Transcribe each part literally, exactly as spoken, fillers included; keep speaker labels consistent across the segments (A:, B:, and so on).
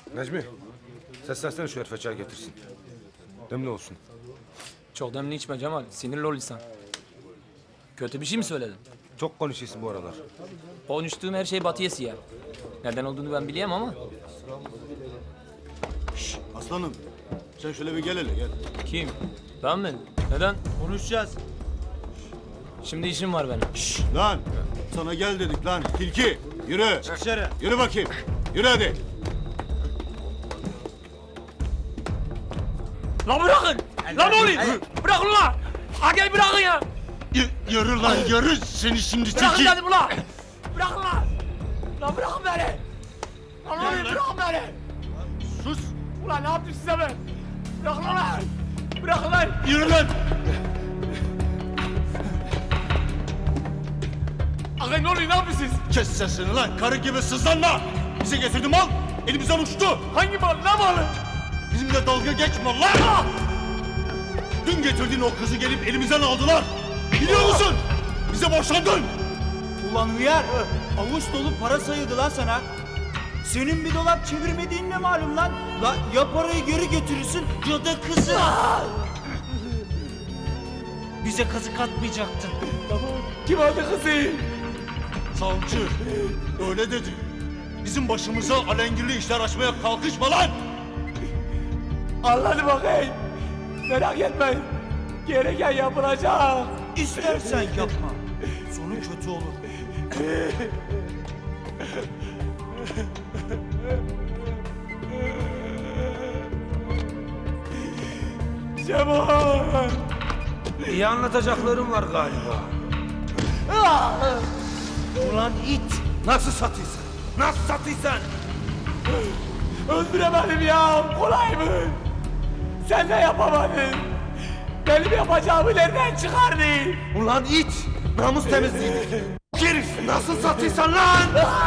A: Necmi, seslersene şu herife çay getirsin. Demli olsun.
B: Çok demli içme Cemal. Sinirli ol insan. Kötü bir şey mi söyledin?
A: Çok konuşuyorsun bu aralar.
B: Konuştuğum her şey Batı yesi ya. Nereden olduğunu ben bileyim ama.
C: Şşş aslanım. Sen şöyle bir gel hele gel.
B: Kim? Ben mi? Neden?
C: Konuşacağız.
B: Şimdi işim var benim.
C: Şşş lan. Sana gel dedik lan. Tilki yürü.
D: Çık dışarı.
C: Yürü bakayım. Yürü hadi.
B: Lan bırakın! Lan ne oluyor? Bırakın ulan! Ha gel bırakın ya!
C: Y yürü lan yürü. Seni şimdi
B: Bırakın
C: tilki.
B: dedim ulan! Bırakın lan! Lan bırakın beni! Lan ne oluyor? Bırakın beni!
C: Sus.
B: Ulan ne yaptım size ben? Bırakın lan! Bırakın lan!
C: Yürü lan.
B: Ağabey ne oluyor? Ne yapıyorsunuz?
C: Kes sesini lan. Karı gibi sızlanma. Bize getirdim mal. Elimizden uçtu.
B: Hangi mal? Ne malı?
C: Bizimle dalga geçme lan. Dün getirdiğin o kızı gelip elimizden aldılar. Biliyor musun? Bize boşandın.
D: Ulan hıyar, avuç dolu para sayıldı lan sana. Senin bir dolap çevirmediğin ne malum lan? La ya parayı geri götürürsün ya da kızı. Bize kazık atmayacaktın.
B: Kim aldı kızı?
C: Savcı öyle dedi. Bizim başımıza alengirli işler açmaya kalkışma lan.
B: Anladım bakayım. Merak etmeyin. Gereken yapılacak.
D: İstersen yapma. Sonu kötü olur.
B: Cemal!
A: İyi anlatacaklarım var galiba.
D: Ulan it.
A: Nasıl satıysan? Nasıl satıysan?
B: Öldüremedim ya. Kolay mı? Sen de yapamadın. Benim yapacağımı nereden çıkardın?
A: Ulan it! Namus temizliğidir. Herif nasıl satıysan lan?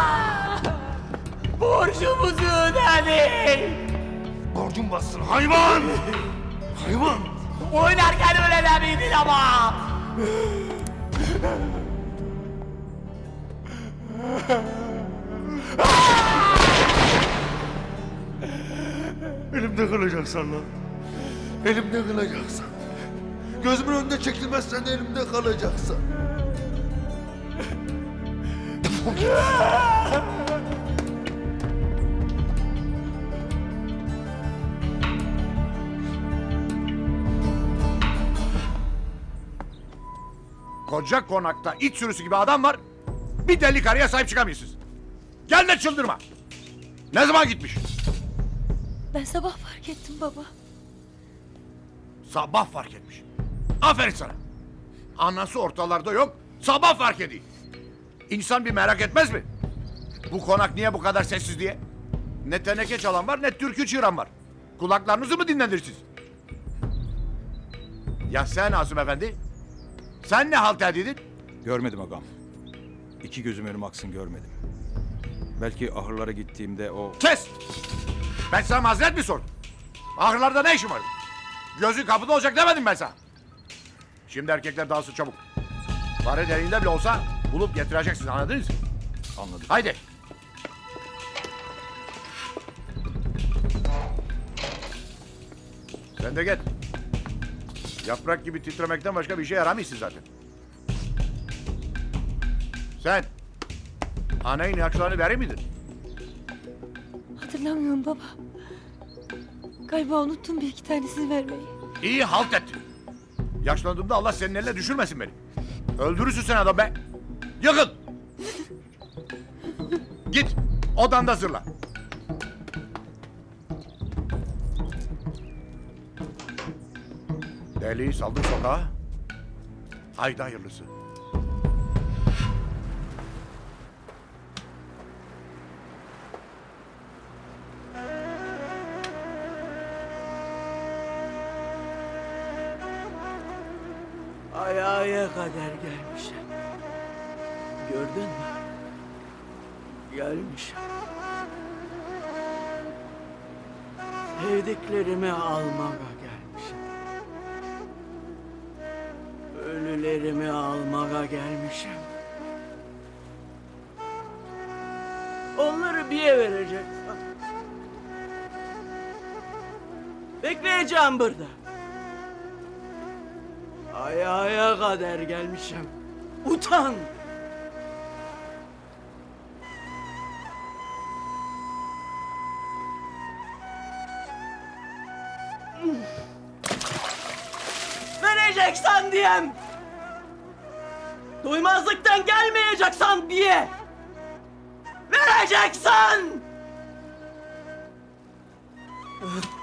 B: Borcumuzu ödedin.
A: Borcun bassın hayvan! Hayvan!
B: Oynarken öyle demiydin ama.
A: Elimde kalacaksın lan. Elimde kalacaksın. Gözümün önünde çekilmezsen elimde kalacaksın.
E: Koca konakta it sürüsü gibi adam var. Bir deli karıya sahip çıkamıyorsunuz. Gel de çıldırma. Ne zaman gitmiş?
F: Ben sabah fark ettim baba.
E: Sabah fark etmiş. Aferin sana. Anası ortalarda yok. Sabah fark ediyor. İnsan bir merak etmez mi? Bu konak niye bu kadar sessiz diye? Ne teneke çalan var ne türkü çığıran var. Kulaklarınızı mı dinlendirirsiniz? Ya sen Asım Efendi? Sen ne halt edildin?
G: Görmedim ağam. İki gözüm önüm aksın görmedim. Belki ahırlara gittiğimde o...
E: Kes! Ben sana mazeret mi sordum? Ahırlarda ne işin var? Gözün kapıda olacak demedim ben sana. Şimdi erkekler dağılsın çabuk. Fare deliğinde bile olsa bulup getireceksiniz, anladınız mı?
G: Anladım.
E: Haydi. Sen de gel. Yaprak gibi titremekten başka bir şey yaramıyorsun zaten. Sen anayın yaşlarını verir miydin?
F: Hatırlamıyorum baba. Galiba unuttum bir iki tanesini vermeyi.
E: İyi halt ettin. Yaşlandığımda Allah senin eline düşürmesin beni. Öldürürsün sen adam be. Yakın. Git odanda zırla. Deliği saldır sokağa. Haydi hayırlısı.
H: Ayağa kadar gelmişim. Gördün mü? Gelmişim. Sevdiklerimi almaya gelmişim. Ölülerimi almaya gelmişim. Onları bir vereceksin. Bekleyeceğim burada. Ayağa kadar gelmişim. Utan! Vereceksen diyem! Duymazlıktan gelmeyeceksen diye! Vereceksen!